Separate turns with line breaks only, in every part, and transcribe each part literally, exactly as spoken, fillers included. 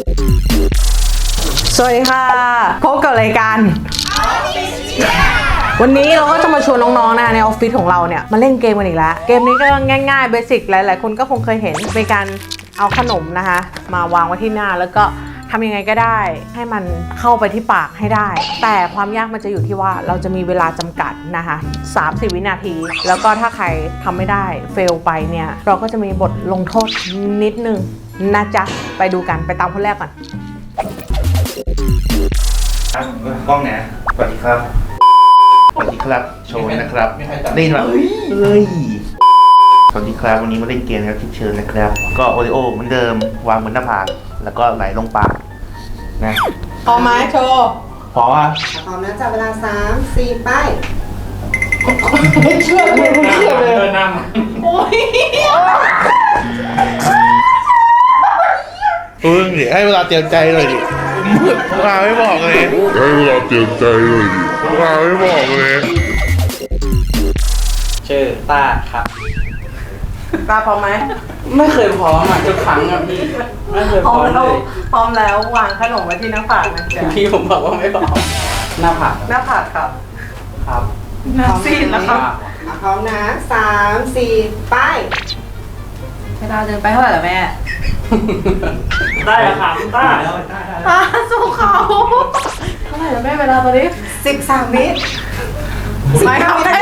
สวัสดีค่ะพบกับรายการวันนี้เราก็จะมาชวนน้องๆนะในออฟฟิศของเราเนี่ยมาเล่นเกมกันอีกแล้วเกมนี้ก็ง่ายๆเบสิกหลายๆคนก็คงเคยเห็นเป็นการเอาขนมนะคะมาวางไว้ที่หน้าแล้วก็ทำยังไงก็ได้ให้มันเข้าไปที่ปากให้ได้แต่ความยากมันจะอยู่ที่ว่าเราจะมีเวลาจำกัดนะคะสามสิบวินาทีแล้วก็ถ้าใครทำไม่ได้เฟลไปเนี่ยเราก็จะมีบทลงโทษนิดนึงนะจ๊ะไปดูกันไปตามคนแรกก่อน
ครับกล้องเนี่ยสวัสดีครับสวัสดีครับโชว์นะครับเล่นมาเฮ้ยเฮ้ยสวัสดีครับวันนี้มาเล่นเกมนะครับที่เชิญนะครับก็โอริโอเหมือนเดิมวางบนหน้าผากแล้วก็ไหลลงปากนะ
พอไหมโชว์
พออ่ะ
พร้อมนะจับเวลาสามสี่ไป
ไม่เชื่อเลยไม่เชื่อเลย
น้
ำโอ้ย
เพิ่งดิให้เวลาเตรียมใจเลยดิมาไม่บอกเลยให้เวลาเตรียมใจเลยดิมาไม่บอกเลย
ชื่อต้าครับ
ตาพร้อมไหม
ไม่เคยพร้อมอ่ะทุกครั้งอ่ะพี่ไม่เคยพร้อมเลย
พร้อมแล้ววางขนมไว้ที่หน้าผากนะจ๊ะ
พี่ผมบอกว่าไม่พร้อมหน้าผาก
หน้าผากครับ
ครับ
หน้าซีดแล้วครับ
พร้อมนะสามสี่ไป
เวลาเดินไปเท่าไหร่ล่ะแม่
ได้แล้วครับต้า
ตาสู้เขาเท่าไหร่ล่ะแม่เวลาตอนนี้
สิบสามวิ
ไม่ทำได้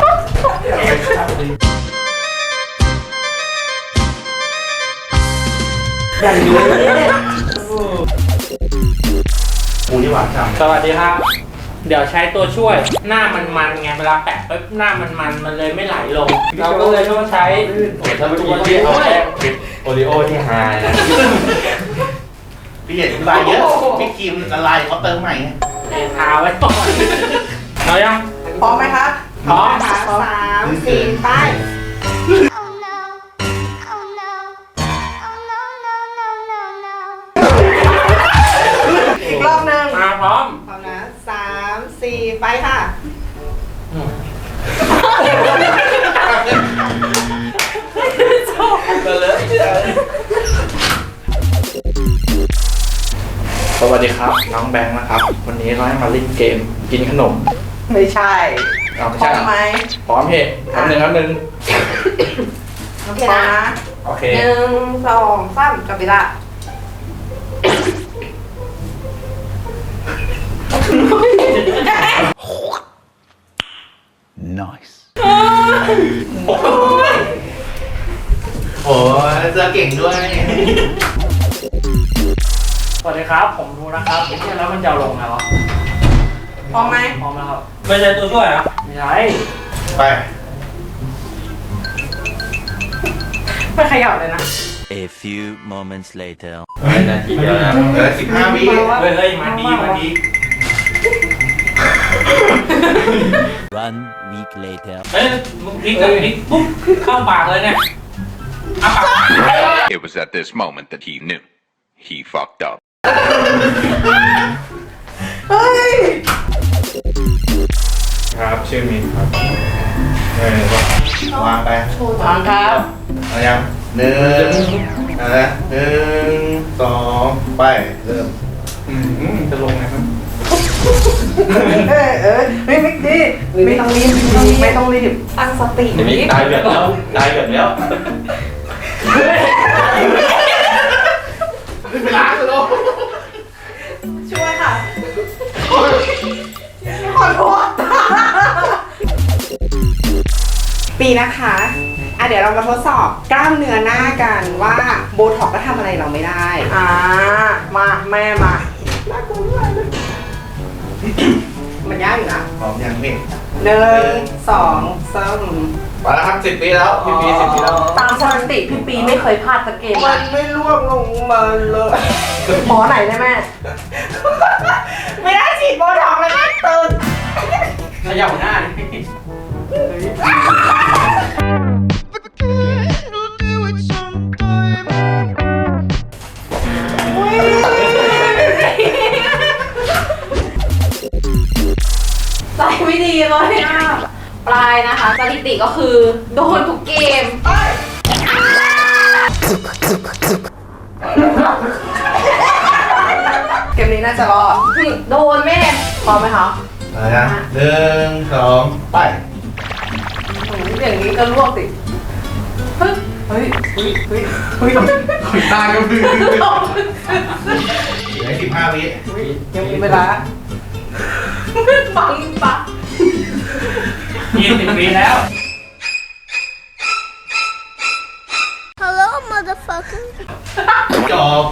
อย่างนี้
กูนี่หวานจัง
สวัสดีครับเดี๋ยวใช้ตัวช่วยหน้ามันๆไงเวลาแปะปุ๊บหน้ามันๆมันเลยไม่ไหลลงเราก็เลยต้องใช้
ตัวที่เอาแป้งปิดโอริโอที่หายนะพี่เห็นลายเยอะพี่ครีมละลายเขาเติมใหม่
เอทาไว้ก่อนเอายัง
พร้อมไหมคะ
พร้อม
ค่ะสามสี่ไป
อีกรอบนึง
มาพร้อม
พร้อมนะสามสี่ไปค่ะ
ก็เลยสวัสดีครับน้องแบงค์นะครับวันนี้เราให้มาเล่นเกมกินขนม
ไม่ใช่
เอาไม่
พร้อ
ใช่
มไหม
พร้อมเพจทำหนึ่งครับหนึ่ง
โอเคนะ
โอเค
หนึ่งสองสามจับเวลา
Nice โอ้ยเจอเก่งด้วย
สวัสดีครับผมรู้นะครับไอ้ที่แล้วมันจะลงไงวะ
พร้อมไหม
พร้อมแล้วครับไม่ใช่ตัวช่วยอ่ะไม่ใช่
ไป
ไม่ขยับเลยนะ
A few moments later
นาทีเดียวนะเหลือสิบห้าวิ
เฮ้ยเฮ้ยมาดีมาดี
One week later
เฮ้ยมึงพลิกกับพลิกปุ๊บเข้าปากเลยเนี่ยอ่ะปาก
It was at this moment that he knew he fucked up
เฮ้ย
ครับชื่อมินครับเออวางไป
วางครับ
เอายังหนึ่งอะไรหนึ่งสองไปเริ่มจะลงไงครับ
เออเออไม่ไม่ดีไม่ต้องรีบไม่ต้องรีบตั้งสติ
นี่ตายแบบแล้วตายแบบแล้ว
เวลาจะลง
ช่วยค่ะขอโทษ
ปีนะคะอ่ะเดี๋ยวเรามาทดสอบกล้ามเนื้อหน้ากันว่าโบท็อกก็ทำอะไรเราไม่ได้
อ่ามาแม่มา
น่ากลัวมากเลยมันยากอยู่นะ
พร้อมยังพี่
หนึ่งสองสาม
มาแล้วครับสิบปีแล้วพี่ปีสิบปีแล้ว
ตามสถิติพี่ปีไม่เคยพลาดสักเกม
มันไม่ล่วงลงมาเลย
หมอไหนได้แม่
ไม่ได้ฉีดโบท็อกเลยแม่ตื่น
ขยับหน้า
ใจไม่ดีเลยอ่ะปลายนะคะสถิติก็คือโดนทุกเกม
นี้น่าจะรอดโดนแม่
พร้อมไหมคะ
มานะหนึ่งสองไป
อย่างนี้ก็ลวกสิเฮ้ยเฮ้ยเฮ้ยเฮ้ยเฮ้ย
ขุนตาก็มือเหลือสิบห้าวิ
ยังมีเวลาฟังปะ
ยี่สิบปีแล้ว
Hello, motherfucker.
จบ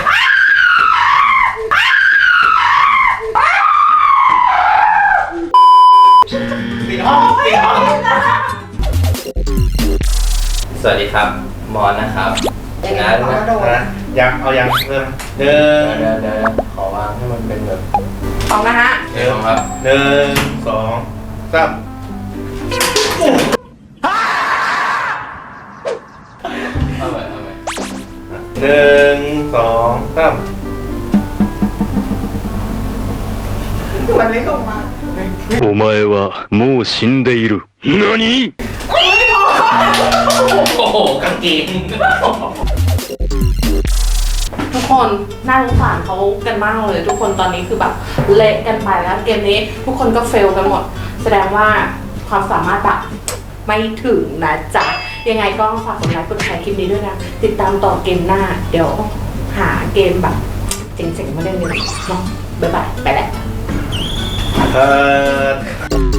ปิดห้องปิดห้อง
สวัสดีครับมอนนะครับนะ
ขอ
นะ
โดน
นะยังเอายังเริ่มหนึ่ง
เดี๋ยวเดี๋ยวขอวางให้มันเป็นแบบ
พร้อมนะฮะ
เดี๋ยวครับ
หนึ่งสองสาม
เอาไปเอาไป
หนึ่งสองสาม
มันไม่ลงมา
お前はもう死んでいる。何？
โอ้โหกางเกง
ทุกคนน่าสงสารเขากันมากเลย ทุกคนตอนนี้คือแบบเละกันไปแล้วเกมนี้ทุกคนก็เฟลกันหมด แสดงว่าความสามารถแบบไม่ถึงนะจ๊ะ ยังไงก็ฝากกดไลค์กดแชร์คลิปนี้ด้วยนะ ติดตามต่อเกมหน้า เดี๋ยวหาเกมแบบเจ๋งๆมาเล่นกันเนาะบ๊ายบายไปแล้ว
เออ